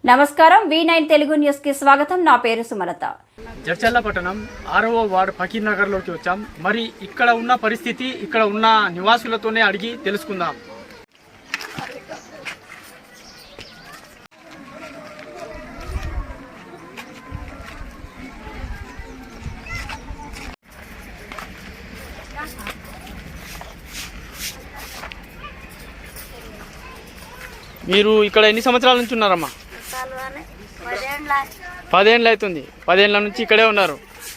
నమస్కారం V9 Telugu news కి స్వాగతం. నా పేరు సుమలత. జడ్చర్ల పట్టణం 6వ వార్డు ఫకీర్ నగర్ లోకి వచ్చాం. మరి ఇక్కడ ఉన్న పరిస్థితి ఇక్కడ ఉన్న నివాసులతోనే అడిగి తెలుసుకుందాం. మీరు ఇక్కడ ఎన్ని సంవత్సరాల నుంచి ఉన్నారమ్మా? 10 ఏళ్ళు అవుతుంది. 10 ఏళ్ళ నుంచి ఇక్కడే ఉన్నారు.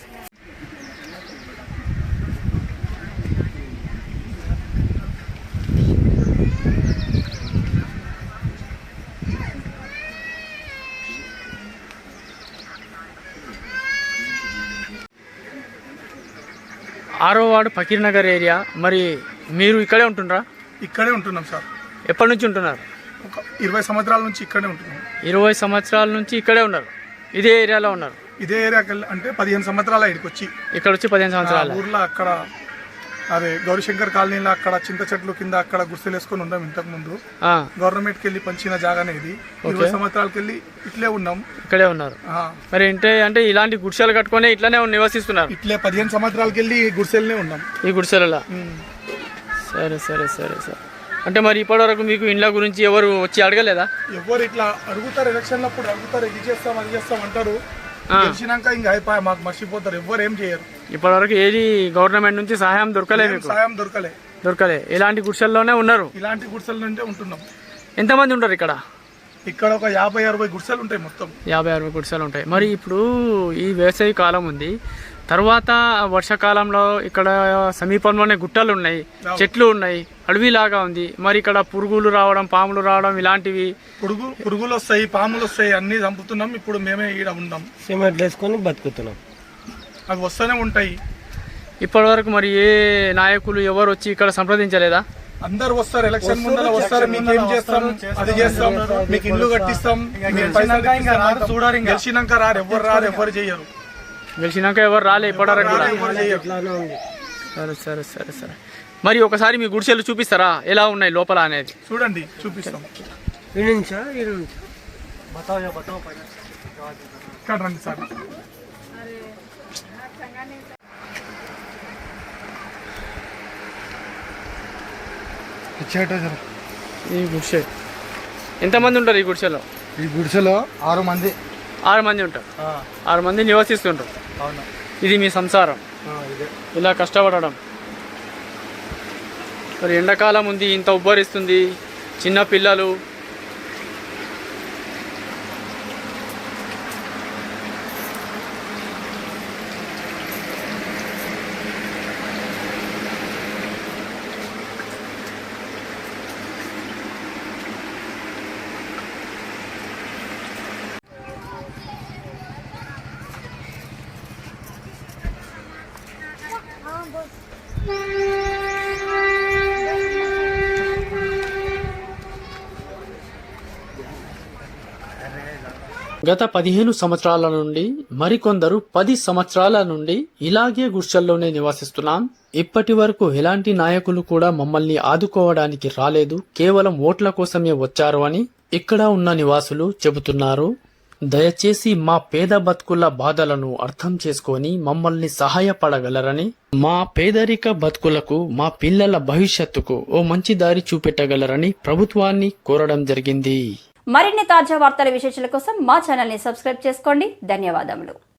ఆరో వార్డు ఫకీర్ నగర్ ఏరియా. మరి మీరు ఇక్కడే ఉంటున్నారా? ఇక్కడే ఉంటున్నాం సార్. ఎప్పటి నుంచి ఉంటున్నారు? ఒక 20 సంవత్సరాల నుంచి ఇక్కడే ఉంటున్నాం. 20 సంవత్సరాల నుంచి ఇక్కడే ఉన్నారు. ఇదే ఏరియాలో ఉన్నారు. ఇదే ఏరియాకి అంటే 15 సంవత్సరాల ఇక్కడికి వచ్చి ఇక్కడ వచ్చి 15 సంవత్సరాలు ఊర్లో అక్కడ అదే గౌరీశంకర్ కాలనీలో అక్కడ చింత చెట్లు కింద అక్కడ గుర్తులు వేసుకొని ఉన్నాం. ఇంతకు ముందు గవర్నమెంట్ కి వెళ్ళి పంచిన జాగానే ఇది. 20 సంవత్సరాలకి వెళ్ళి ఇట్లే ఉన్నాం. ఇక్కడే ఉన్నారు. మరి అంటే ఇలాంటి గుడిసెలు కట్టుకొని ఇట్లానే నివసిస్తున్నారు. ఇట్లే 15 సంవత్సరాలకి వెళ్ళి గుడిసెలనే ఉన్నాం. ఈ గుడిసెలలో. సరే సరే సరే సార్. అంటే మరి ఇప్పటివరకు మీకు ఇండ్ల గురించి ఎవరు వచ్చి అడగలేదా? ఎవరు ఇట్లా అడుగుతారు, ఎలక్షన్లప్పుడు అడుగుతారు, ఇది చేస్తాం అది చేస్తాం అంటారు. గెలిచినాక ఇంకా అయిపోయి మాకు మర్చిపోతారు. ఎవరు ఏం చేయరు. ఇప్పటివరకు ఏది గవర్నమెంట్ నుంచి సహాయం దొరకలే? సహాయం దొరకలే. ఇలాంటి గుడిసెల్లోనే ఉన్నారు. ఇలాంటి గుడిసెల నుంచే ఉంటున్నాం. ఎంతమంది ఉంటారు ఇక్కడ? ఇక్కడ ఒక 50-60 గుడిసెలు ఉంటాయి. మొత్తం 50-60 గుడిసెలు ఉంటాయి. మరి ఇప్పుడు ఈ వేసవి కాలం ఉంది, తర్వాత వర్షాకాలంలో ఇక్కడ సమీపంలోనే గుట్టలు ఉన్నాయి, చెట్లు ఉన్నాయి, అడవిలాగా ఉంది. మరి ఇక్కడ పురుగులు రావడం, పాములు రావడం ఇలాంటివి పురుగులు వస్తాయి, పాములు వస్తాయి, అన్ని చంపుతున్నాం. ఇప్పుడు మేమే ఈడ ఉన్నాం, సిమెంట్ వేసుకొని బతుకుతున్నాం. అవి వస్తూనే ఉంటాయి. ఇప్పటి వరకు మరి ఏ నాయకులు ఎవరు వచ్చి ఇక్కడ సంప్రదించలేదా? అందరు వస్తారు, ఎలక్షన్ ముందర వస్తారు. మీకు ఏం చేస్తాం, అది చేస్తాం, మీకు ఇల్లు కట్టిస్తాం, గెలిచినాక రారు, ఎవరు చేయరు. గెలిచినాక ఎవరు రాలే ఇప్పటివరకు. సరే సరే సరే సరే. మరి ఒకసారి మీ గుడిసెలు చూపిస్తారా ఎలా ఉన్నాయి లోపల అనేది? చూడండి, చూపిస్తాం. ఇక్కడ రండి సార్. ఈ గుడిసె ఎంతమంది ఉంటారు? ఈ గుడిసెలో 6 మంది. 6 మంది ఉంటారు. 6 మంది నివసిస్తుంటారు. ఇది మీ సంసారం, ఇలా కష్టపడడం. మరి ఎండాకాలం ఉంది, ఇంత ఉబ్బరిస్తుంది, చిన్న పిల్లలు. గత 15 సంవత్సరాల నుండి మరికొందరు 10 సంవత్సరాల నుండి ఇలాగే గుడిసెల్లోనే నివసిస్తున్నాం. ఇప్పటి వరకు ఎలాంటి నాయకులు కూడా మమ్మల్ని ఆదుకోవడానికి రాలేదు, కేవలం ఓట్ల కోసమే వచ్చారు అని ఇక్కడ ఉన్న నివాసులు చెబుతున్నారు. దయచేసి మా పేద బతుకుల బాధలను అర్థం చేసుకొని మమ్మల్ని సహాయపడగలరని, మా పేదరిక బతుకులకు, మా పిల్లల భవిష్యత్తుకు ఓ మంచి దారి చూపెట్టగలరని ప్రభుత్వాన్ని కోరడం జరిగింది. మరిన్ని తాజా వార్తల విశేషాల కోసం మా ఛానల్ ని సబ్స్క్రైబ్ చేసుకోండి. ధన్యవాదములు.